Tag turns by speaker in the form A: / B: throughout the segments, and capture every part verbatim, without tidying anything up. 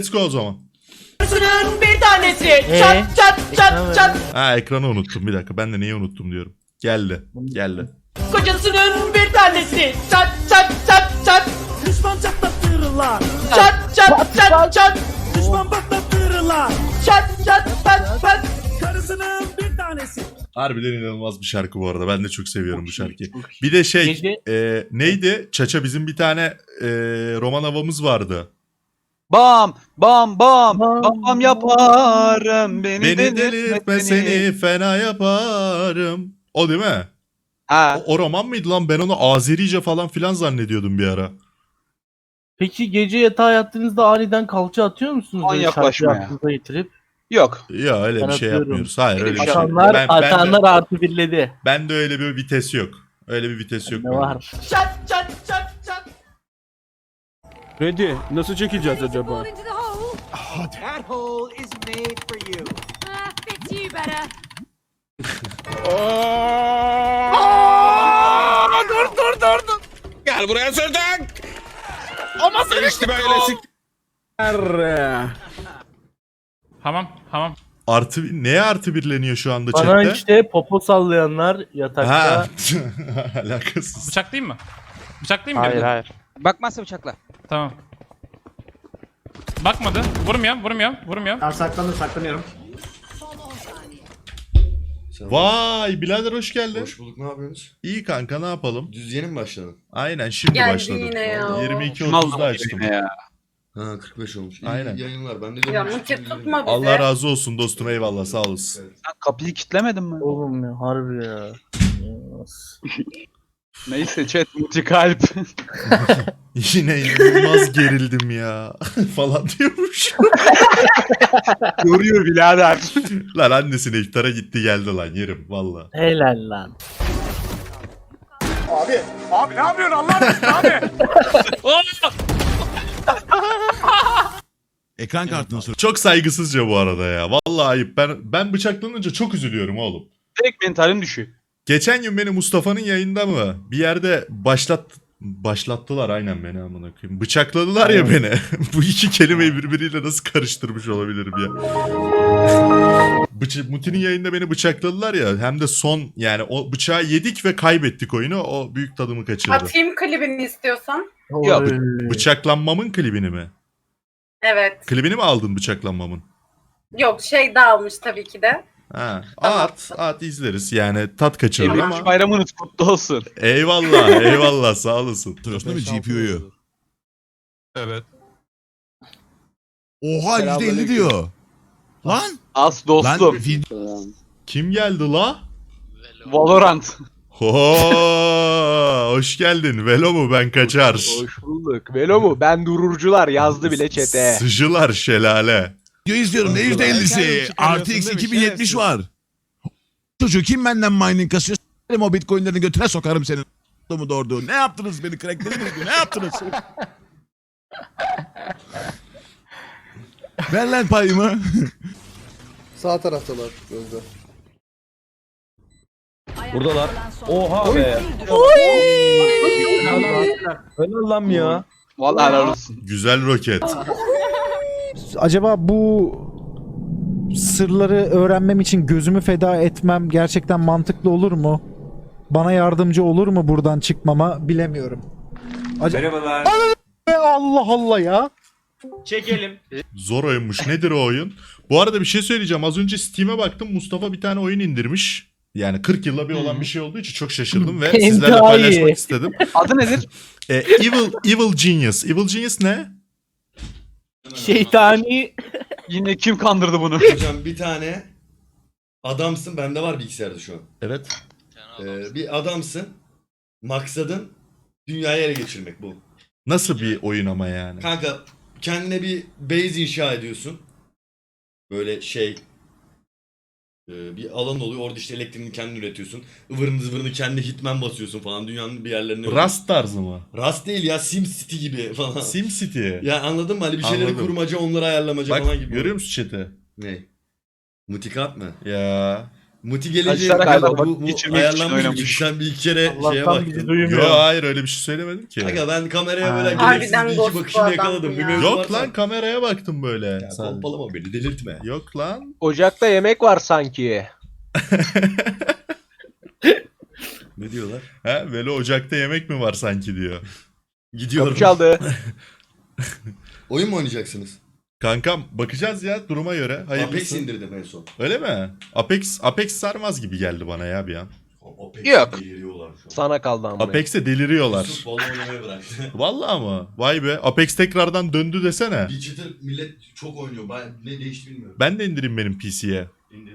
A: Let's go o zaman.
B: Kocasının bir tanesi çat çat çat çat.
A: Ha ekranı unuttum bir dakika. Ben de neyi unuttum diyorum. Geldi. Geldi.
B: Kocasının bir tanesi çat çat çat çat.
C: Düşman çatlatırlar.
B: Çat çat çat çat.
C: Düşman patlatırlar.
B: Çat çat çat çat.
C: Karısının bir tanesi.
A: Harbiden inanılmaz bir şarkı bu arada. Ben de çok seviyorum bu şarkıyı. Bir de şey
D: Gece-
A: e, neydi? Çaça bizim bir tane e, roman havamız vardı.
E: Bam bam bam
D: Bam.
E: bam, bam yaparım beni,
A: Beni delirtme seni fena yaparım. O değil mi?
E: Ha.
A: O, o roman mıydı lan? Ben onu Azerice falan filan zannediyordum bir ara.
D: Peki gece yatağa yattığınızda aniden kalça atıyor musunuz?
E: Aman
D: Böyle
E: yaklaşma
D: şarkıyı
E: ya.
D: aklınıza getirip.
E: Yok.
A: Ya öyle
D: Ben
A: bir şey
D: atıyorum.
A: yapmıyoruz. Hayır öyle bir şey.
D: Atanlar,
A: Ben, ben,
D: atanlar
A: de,
D: artı birledi.
A: ben de öyle bir vites yok. Öyle bir vites yok.
D: Ne
A: bende.
D: var?
B: Çat çat çat çat.
F: Ready. Nasıl çekeceğiz acaba?
G: Fall into the hole.
C: That hole is made for you.
G: Ah, fits you better.
F: dur dur dur dur. Gel buraya sırtık. Ama sen işte böyle sik.
H: Hamam, hamam.
A: Artı, neye artı birleniyor şu anda
D: Bana
A: chatte?
D: işte popo sallayanlar yatakta.
A: Ha. Alakasız.
H: Bıçaklayayım mı? Bıçaklayayım mı?
E: Hayır
H: birini?
E: hayır. Bakmazsa bıçakla.
H: Tamam. Bakmadı. Vurmuyorum, vurmuyorum, vurmuyorum.
C: Ben saklandım saklanıyorum.
A: Vay birader hoş geldin.
I: Hoş bulduk, ne yapıyorsunuz?
A: İyi kanka ne yapalım?
I: Düz yeni mi başladın?
A: Aynen şimdi
B: Geldi
A: başladım.
B: yine ya.
A: yirmi iki
E: Şunu
A: otuzda
E: aldım
A: açtım.
E: ya.
I: Ha kırk beş olmuş. İyi
A: Aynen.
I: yayınlar. Ben de
B: Ya
I: diyorum,
B: Muti
I: işte,
B: tutma bizi.
A: Allah razı olsun dostum eyvallah sağ olasın.
I: Evet.
E: Sen kapıyı kilitlemedin mi?
D: Oğlum ya harbi ya.
E: Neyse chat multi kalp.
A: Yine inanılmaz gerildim ya falan diyormuş.
E: Yoruyor birader.
A: Lan annesine iftara gitti geldi lan yerim valla.
D: Helal lan.
F: Abi ne yapıyorsun Allah aşkına abi?
J: Ekran kartını sor.
A: Çok saygısızca bu arada ya. Vallahi ayıp. Ben ben bıçaklanınca çok üzülüyorum oğlum.
E: Direkt mentalim düşüyor.
A: Geçen gün beni Mustafa'nın yayında mı bir yerde başlat başlattılar aynen beni amına koyayım. Bıçakladılar ya beni. Bu iki kelimeyi birbiriyle nasıl karıştırmış olabilirim ya. Bıç Muti'nin yayında beni bıçakladılar ya. Hem de son yani o bıçağı yedik ve kaybettik oyunu. O büyük tadımı kaçırdı.
B: Atayım klibini istiyorsan.
E: Ya,
D: Oy.
A: Bıçaklanmamın klibini mi?
B: Evet.
A: Klibini mi aldın bıçaklanmamın?
B: Yok şey dağılmış tabii ki de.
A: Ha,
B: Tamam.
A: at, at izleriz. Yani tat kaçırır
E: yirmi üç
A: ama.
E: bayramınız kutlu olsun.
A: Eyvallah, eyvallah sağ olasın.
J: Hatırlıyorsun değil mi G P U'yu?
H: Evet.
J: Oha yüzde elli diyor. Lan.
E: As
J: Lan
E: dostum.
J: video
A: Kim geldi la?
E: Valorant.
A: Oo, hoş geldin. Velo mu ben kaçar.
E: Hoş bulduk. Velo mu? Ben dururcular yazdı bile chat'e.
A: Sıcılar şelale.
J: izliyorum ne yüzde ellisi? R T X iki bin yetmiş var. Çocuğu kim benden mining kasıyor? S**erim o bitcoinlerini götüne sokarım senin. mu doğurdu? Ne yaptınız beni? Cracklediniz mi? Ne yaptınız? Ver lan payımı.
I: Sağ taraftalar gözde.
F: Buradalar. Oha be. Helal lan ya.
E: Vallahi helal olsun.
A: Güzel roket.
K: Acaba bu sırları öğrenmem için gözümü feda etmem gerçekten mantıklı olur mu? Bana yardımcı olur mu buradan çıkmama bilemiyorum. Ac-
C: Merhabalar.
K: Allah Allah ya.
C: Çekelim.
A: Zor oyunmuş. Nedir o oyun? Bu arada bir şey söyleyeceğim. Az önce Steam'e baktım. Mustafa bir tane oyun indirmiş. Yani kırk yılla bir olan bir şey olduğu için çok şaşırdım ve
D: Hem
A: sizlerle
D: daha iyi.
A: paylaşmak istedim.
E: Adı nedir?
A: E, Evil Evil Genius. Evil Genius ne?
D: Şeytani.
E: Yine kim kandırdı bunu?
I: Hocam bir tane adamsın, bende var bilgisayarda şu an.
A: Evet.
I: Ee, bir adamsın, maksadın dünyayı ele geçirmek bu.
A: Nasıl bir oyun ama yani?
I: Kanka kendine bir base inşa ediyorsun. Böyle şey e, bir alan oluyor, orada işte elektriğini kendin üretiyorsun. Ivırını zıvırını kendi hitman basıyorsun falan dünyanın bir yerlerine.
A: Rust tarzı mı?
I: Rust değil ya, SimCity gibi falan.
A: SimCity.
I: Ya anladın mı? Hani bir şeyleri
A: Anladım.
I: kurmaca, onları ayarlamaca
A: Bak
I: falan gibi.
A: görüyor musun chat'i?
I: Ne? Mutikat mı?
A: Ya.
I: Muti gelince
E: Kaçlara
I: ya
E: kadar
I: bu,
E: vakit
I: bu
E: geçirmek için
I: ayarlanmış mı?
E: oynamış.
I: Çünkü sen bir iki kere şeye
D: Allah'tan bizi
I: baktın.
D: duymuyor.
A: Yo hayır öyle bir şey söylemedim ki.
I: Aga ben kameraya
D: Ha.
I: böyle gereksiz
B: Harbiden
I: bir iki
B: ghost bu
I: bakışını
B: adam
I: yakaladım.
B: ya.
I: Bir mevzu
A: Yok
I: varsa-
A: lan kameraya baktım böyle.
I: Ya
A: sadece.
I: pompalama beni delirtme.
A: Yok lan.
E: Ocakta yemek var sanki.
I: Ne diyorlar?
A: He böyle ocakta yemek mi var sanki diyor.
I: Gidiyorum.
E: Kapı çaldı.
I: Oyun mu oynayacaksınız?
A: Kankam bakacağız ya duruma göre.
I: Apex
A: Hayırlısı.
I: indirdim en son.
A: Öyle mi? Apex Apex sarmaz gibi geldi bana ya bir an.
I: Apex
E: Yok.
I: deliriyorlar şu an.
E: Sana kaldı amına.
A: Apex'e deliriyorlar.
I: Yusuf Valo oynamayı bıraktı.
A: Vallahi mı? Vay be. Apex tekrardan döndü desene.
I: Bir çıtır millet çok oynuyor. Ben ne değişti bilmiyorum.
A: Ben de indireyim benim P C'ye.
I: İndir.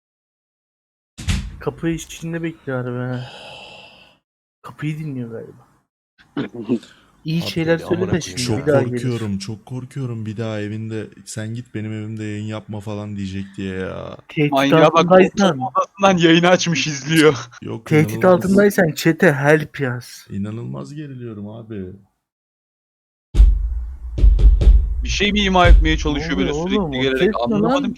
D: Kapı içinde bekliyor be. Kapıyı dinliyor galiba. İyi
A: Abi,
D: şeyler
E: amına
D: söyle de
E: koyayım.
D: şimdi
A: Çok
D: bir daha gelir.
A: korkuyorum. Çok korkuyorum bir daha evinde sen git benim evimde yayın yapma falan diyecek diye ya.
D: Tehdit
E: Manyağa bak.
D: altındaysan,
E: Odasından yayını açmış izliyor.
A: Yok
D: tehdit
A: inanılmaz,
D: altındaysan çete help yaz.
A: inanılmaz geriliyorum abi.
E: Bir şey mi ima etmeye
D: çalışıyor böyle Oğlum, sürekli oğlum, o gelerek? ses ne Anlamadım lan?
E: ki.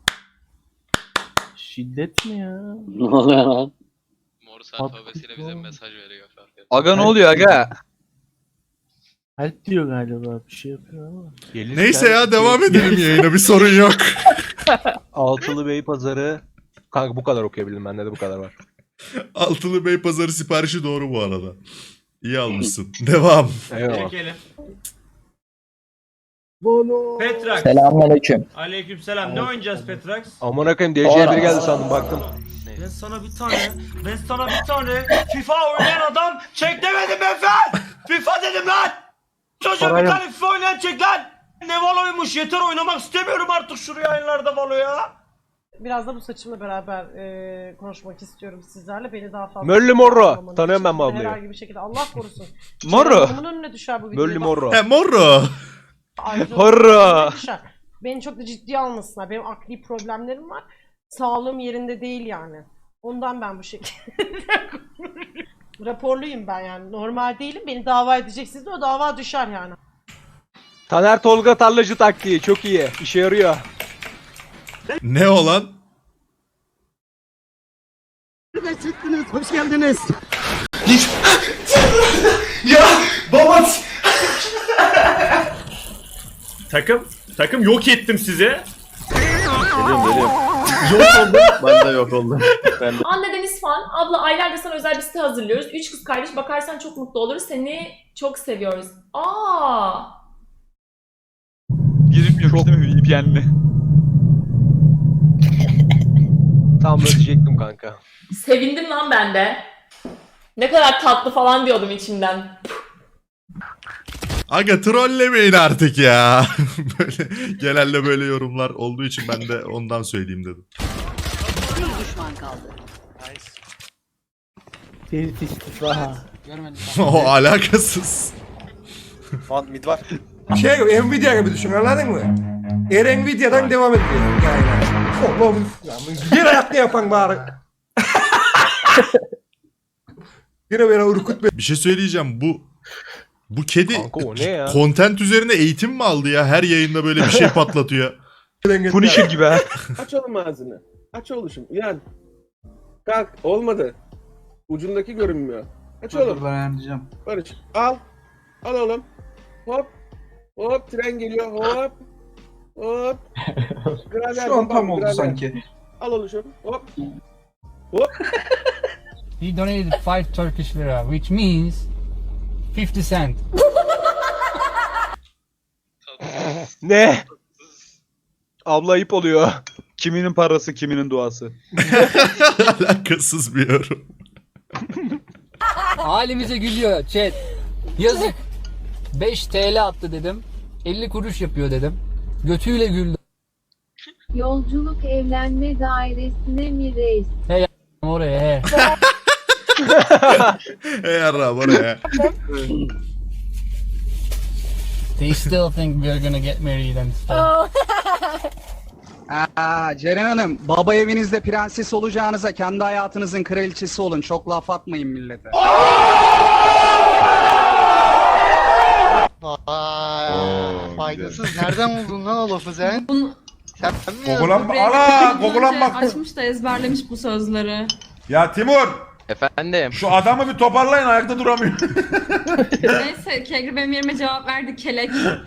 D: Şiddet mi ya?
L: Ne oluyor lan?
D: Morse alfabesiyle bize mesaj
H: veriyor.
E: Aga ne oluyor aga?
D: Help diyor galiba bir şey yapıyor ama.
A: Neyse ya devam edelim yayına bir sorun yok.
E: Altılı Bey Pazarı. Kanka bu kadar okuyabildim bende de bu kadar var.
A: Altılı Bey Pazarı siparişi doğru bu arada. İyi almışsın. Devam.
E: Eyvallah.
C: Çekelim.
D: Bono.
C: Petrax.
L: Selamünaleyküm.
C: Aleykümselam. Ne oynayacağız Petrax?
E: Amına koyayım D C'ye biri geldi sandım baktım.
C: Ben sana bir tane, ben sana bir tane FIFA oynayan adam çek demedim ben Fer! FIFA dedim lan! Çocuğa bir
D: Parayı-
C: tane FIFA oynayan çek lan! Ne Valo'ymuş yeter oynamak istemiyorum artık şu yayınlarda Valo ya!
B: Biraz da bu saçımla beraber e, konuşmak istiyorum sizlerle. Beni daha fazla...
E: Möllü Morro.
B: anlamanız
E: Tanıyorum
B: için
E: ben bu ablayı.
B: Herhangi bir şekilde Allah korusun.
E: Morro.
B: Bunun önüne düşer bu video.
E: Möllü Morro.
A: He morro.
E: Horro.
B: Beni çok da ciddiye almasınlar. Benim akli problemlerim var. Sağlığım yerinde değil yani. Ondan ben bu şekilde raporluyum ben yani. Normal değilim. Beni dava edeceksiniz de o dava düşer yani.
E: Taner Tolga tarlacı taktiği çok iyi. İşe yarıyor.
A: Ne olan?
C: Hoş geldiniz.
I: Ya baba.
C: Takım, takım yok ettim sizi.
G: Anne Deniz Fan, abla aylardır sana özel bir site hazırlıyoruz. Üç kız kardeş, bakarsan çok mutlu oluruz. Seni çok seviyoruz. Aa!
E: Girilmiyormuş değil mi V P N'le? Tam da diyecektim kanka.
G: Sevindim lan ben de. Ne kadar tatlı falan diyordum içimden.
A: Aga trollemeyin artık ya. Böyle genelde böyle yorumlar olduğu için ben de ondan söyleyeyim dedim.
D: Tehdit istifa.
A: O alakasız.
E: Mid var.
C: Şey, Nvidia gibi düşün anladın mı? Eğer Nvidia'dan devam ediyorsun yani. Oğlum, bir ayakta yapan bari. Yine böyle Urkut
A: Bir şey söyleyeceğim bu bu kedi
E: Kanka o ne ya?
A: content üzerine eğitim mi aldı ya? Her yayında böyle bir şey patlatıyor.
E: Punisher gibi ha.
L: Aç oğlum ağzını. Aç oğlum. Uyan. Kalk. Olmadı. Ucundaki görünmüyor. Aç oğlum.
C: Ben anlayacağım.
L: Barış. Al. Al oğlum. Hop. Hop. Tren geliyor. Hop. Hop. Grader,
C: Şu an tam
L: bam,
C: oldu
L: grader.
C: sanki.
L: Al oğlum şunu. Hop. Hop.
C: He donated five Turkish lira, which means fifty cent.
E: Ne? Abla ayıp oluyor. Kiminin parası, kiminin duası.
A: Alakasız bir yorum.
C: Halimize gülüyor chat. Yazık. beş TL attı dedim. elli kuruş yapıyor dedim. Götüyle güldü.
G: Yolculuk evlenme dairesine mi reis?
C: Oraya he.
A: Hey yarrağım oraya.
C: They still think we're gonna get married and stuff.
L: Aa, Ceren Hanım. Baba evinizde prenses olacağınıza kendi hayatınızın kraliçesi olun. Çok laf atmayın millete.
C: Aa, faydasız. Nereden buldun lan o lafı sen?
F: Google'an ana Google'an bak.
G: Açmış da ezberlemiş bu sözleri.
F: Ya Timur,
E: Efendim.
F: şu adamı bir toparlayın, ayakta duramıyor.
G: Neyse Kegri benim yerime cevap verdi kelek.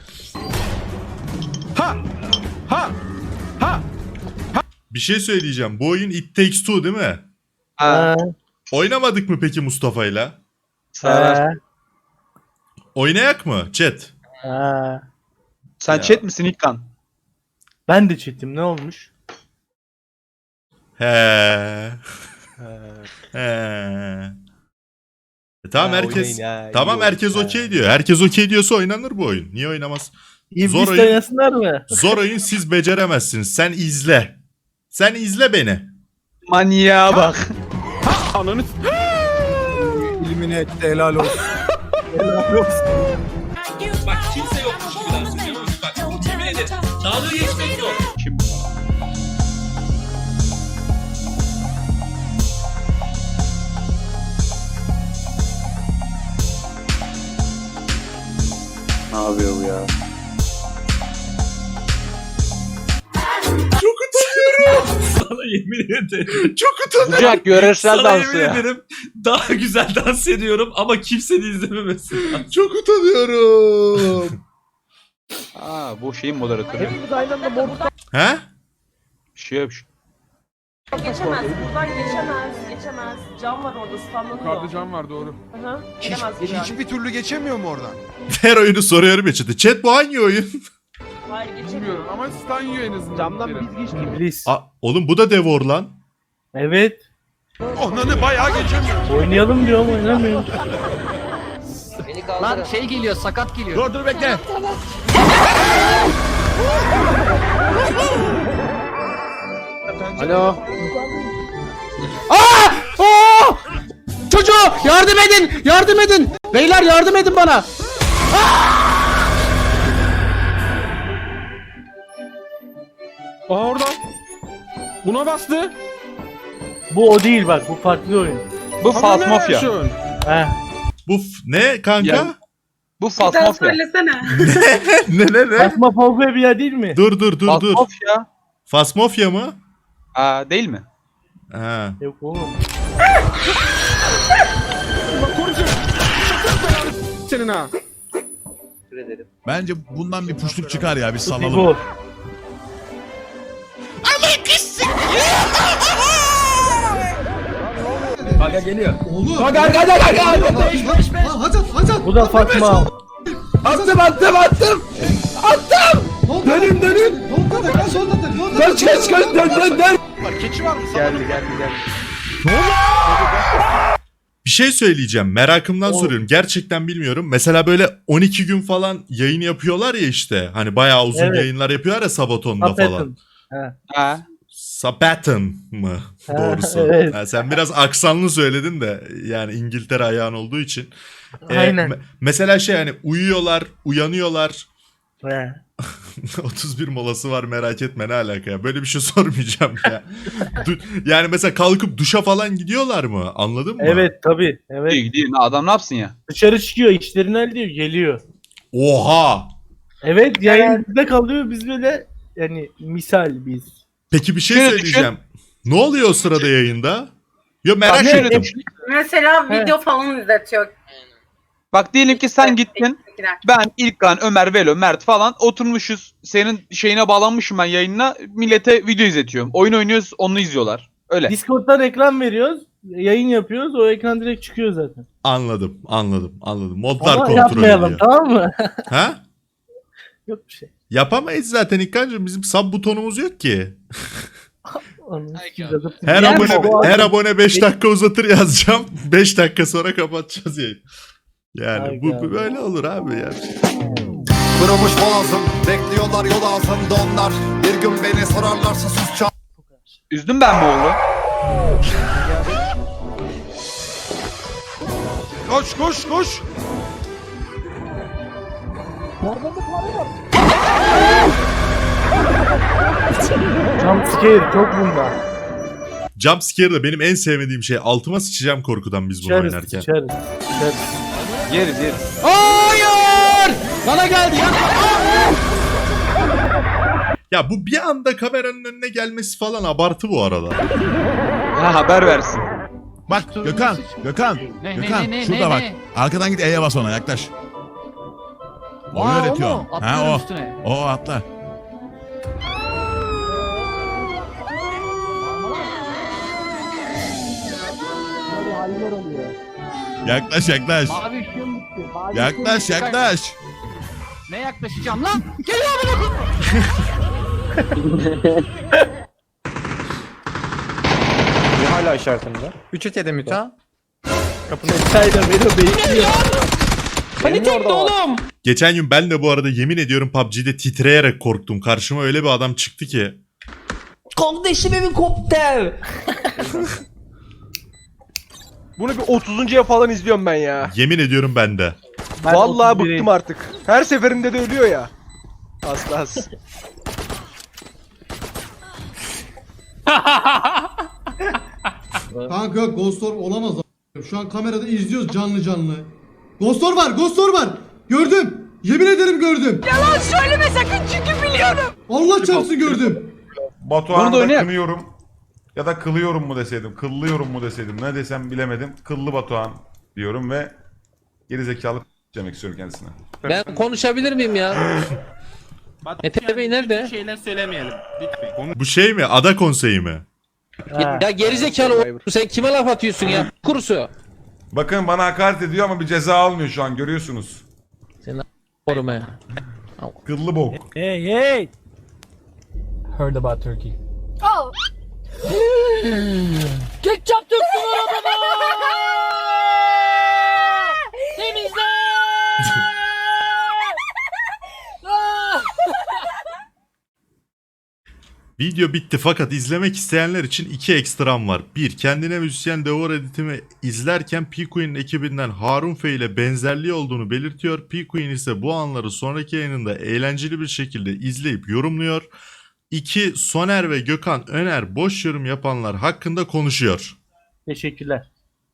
F: Ha! Ha! Ha!
A: Bir şey söyleyeceğim. Bu oyun It Takes Two değil mi?
E: Ha.
A: Oynamadık mı peki Mustafa'yla?
E: Sen,
A: Oynayak mı chat?
D: Ha.
E: sen
A: Ya.
E: chat misin İlkan?
D: Ben de çetim ne olmuş?
A: He. He. E tamam
E: Ha,
A: herkes
E: oynayın ha, iyi
A: tamam
E: oyun.
A: herkes
E: Ha.
A: okey diyor. Herkes okey diyorsa oynanır bu oyun. Niye oynamaz?
D: İblis
A: Zor oyun.
D: oynasınlar mı?
A: Zor oyun siz beceremezsiniz. Sen izle. Sen izle beni.
E: Manyağa bak.
F: Ananı
K: İlmini etti helal olsun.
C: Bak kimse yokmuş gibi dans ediyor. Bak yemin ederim. Dalga geçmek yok.
E: Kim? Ne yapıyor bu ya?
C: Sana yemin ederim.
A: Çok utanıyorum.
E: Bucak yöresel
C: Sana
E: dansı
C: yemin
E: ya.
C: ederim daha güzel dans ediyorum ama kimsenin izlememesi lazım.
A: Çok utanıyorum.
E: Aa bu şeyin moderatörü.
B: Hepimiz aynı anda morukta
A: He?
E: Şey yok.
B: geçemez. Buradan geçemez. Geçemez. Cam var orada standlanıyor.
F: can var doğru.
B: Hı hı. Gelemez yani.
F: Hiçbir türlü geçemiyor mu oradan?
A: Her oyunu soruyorum ya chat'e. Chat bu hangi oyun?
B: Hayır geçemiyor.
F: ama stun yiyor en azından.
K: Camdan biz geçtik.
D: İblis.
A: Aa, oğlum bu da Devor lan.
D: Evet.
F: Onanı bayağı geçemiyor.
D: Oynayalım diyorum oynamıyorum.
E: Lan şey geliyor, sakat geliyor.
J: Dur dur bekle.
K: Alo.
E: Çocuğu yardım edin! Yardım edin! Beyler yardım edin bana!
F: Aa orada. Buna bastı.
D: Bu o değil bak bu farklı oyun.
E: Bu Fasmofya.
D: Heh.
A: Bu f- ne kanka?
E: Ya- Bu Fasmofya.
A: ne ne ne?
D: Fasmofobia değil mi?
A: Dur dur dur dur.
E: Fasmofya.
A: Fasmofya mı?
E: Aa değil mi?
A: Ha.
D: Yok oğlum.
F: Senin ha.
J: Bence bundan bir puşluk çıkar ya bir salalım.
D: Bu. Bu da Fatma.
E: Attım attım attım! Attım! Dönün dönün! Kaç kaç kaç dön dön dön!
F: Keçi var mı?
E: Geldi geldi geldi.
A: Bir şey söyleyeceğim. Merakımdan
D: O-
A: soruyorum. Gerçekten bilmiyorum. Mesela böyle on iki gün falan yayın yapıyorlar ya işte. Hani bayağı uzun
D: Evet.
A: yayınlar yapıyorlar ya Sabaton'da falan.
D: Sabaton.
E: Ha.
A: Sabaton mı?
D: Ha,
A: Doğrusu.
D: evet.
A: Ha, sen biraz aksanlı söyledin de yani İngiltere ayağın olduğu için. Ee,
D: Aynen.
A: me- mesela şey hani uyuyorlar, uyanıyorlar.
D: He.
A: otuz bir molası var merak etme ne alaka ya. Böyle bir şey sormayacağım ya. Du- yani mesela kalkıp duşa falan gidiyorlar mı? Anladın mı?
D: Evet tabi. Evet.
E: Gidiyor gidiyor. Adam ne yapsın ya?
D: Dışarı çıkıyor işlerini hallediyor geliyor.
A: Oha!
D: Evet yayın bizde kalıyor biz böyle yani misal biz.
A: Peki bir şey
E: Şöyle
A: söyleyeceğim. Ne oluyor o sırada yayında? Yo merak
E: Ne
A: ettim.
B: Mesela
D: He.
B: video falan izletiyor.
E: Bak diyelim ki sen gittin. Ben, İlkan, Ömer, Velo, Mert falan oturmuşuz. Senin şeyine bağlanmışım ben yayınına. Millete video izletiyorum. Oyun oynuyoruz onu izliyorlar. Öyle.
D: Discord'dan ekran veriyoruz. Yayın yapıyoruz. O ekran direkt çıkıyor zaten.
A: Anladım, anladım, anladım. Modlar
D: Ama
A: kontrol
D: yapmayalım
A: ediyor.
D: tamam mı?
A: Ha?
D: Yok bir şey.
A: Yapamayız zaten İlkan'cığım. Bizim sub butonumuz yok ki.
D: Onu yazıp-
A: Her
D: Yani
A: abone
D: bu-
A: her abone beş dakika uzatır yazacağım. beş dakika sonra kapatacağız yayını. Yani
D: Ay
A: bu,
D: ya.
A: bu böyle olur abi ya.
F: Kırılmış boğazım. Bekliyorlar yol ağzımda onlar. Bir gün beni sorarlarsa sus çal.
E: Üzdüm ben mi oğlu?
F: Koş koş koş.
D: Jump scare çok bunda.
A: Jump scare de benim en sevmediğim şey. Altıma sıçacağım korkudan biz bunu
D: Sıçarız
A: oynarken.
D: sıçarız. Sıçarız.
E: Yeriz yeriz. Hayır! Bana geldi ya.
A: Ya bu bir anda kameranın önüne gelmesi falan abartı bu arada.
E: Ha, haber versin.
J: Bak Gökhan, Gökhan,
H: Ne,
J: Gökhan
H: ne, ne,
J: şurada
H: ne,
J: bak.
H: ne?
J: Arkadan git E'ye bas ona yaklaş. Onu
H: Aa, o
J: öğretiyor.
H: mu?
J: Ha
H: Atlıyorum
J: o.
H: üstüne.
J: O atla. Yaklaş yaklaş.
H: Mavi ışığım bitti. Mavi
J: Yaklaş
H: ışığım bitti.
J: yaklaş.
H: Ne yaklaşacağım lan? Geliyor amına
L: Hala işaretimde. üç et yedim müta.
B: Panik etti oğlum.
A: Geçen gün ben de bu arada yemin ediyorum P U B G'de titreyerek korktum. Karşıma öyle bir adam çıktı ki.
C: Kardeşim helikopter.
L: Bunu bir otuzuncuya falan izliyorum ben ya.
A: Yemin ediyorum ben de.
D: Ben
L: Vallahi
D: otuz biri
L: bıktım artık. Her seferinde de ölüyor ya. Asla as.
F: Kanka yok Ghost Orb olamaz. Şu an kamerada izliyoruz canlı canlı. Ghost Orb var, Ghost Orb var. Gördüm. Yemin ederim gördüm.
B: Yalan söyleme sakın çünkü biliyorum.
F: Allah çarpsın gördüm.
E: Bunu da oynayak.
H: kınıyorum. Ya da kılıyorum mu deseydim, kıllıyorum mu deseydim, ne desem bilemedim. Kıllı Batuhan diyorum ve gerizekalı demek istiyorum kendisine.
C: Ben konuşabilir miyim ya? Mete Bey nerede?
D: Şeyler söylemeyelim. Lütfen.
A: Bu şey mi? Ada konseyi mi?
D: Ha.
C: Ya gerizekalı o- sen kime laf atıyorsun ya? Kurusu.
H: Bakın bana hakaret ediyor ama bir ceza almıyor şu an görüyorsunuz.
C: Koruma.
H: Kıllı bok.
D: Hey hey.
C: Heard about Turkey.
B: Al.
G: Ketçap döktün arabama! Temizle!
A: Video bitti fakat izlemek isteyenler için iki ekstram var. Bir, kendine müzisyen Devor editimi izlerken P-Queen'in ekibinden Harun F ile benzerliği olduğunu belirtiyor. P-Queen ise bu anları sonraki yayınında eğlenceli bir şekilde izleyip yorumluyor. İki, Soner ve Gökhan Öner boş yorum yapanlar hakkında konuşuyor.
D: Teşekkürler.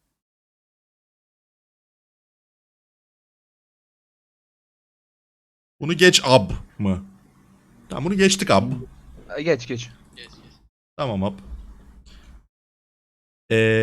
A: Bunu geç ab mı? Tamam bunu geçtik ab.
E: Geç geç.
A: Tamam ab. Ee,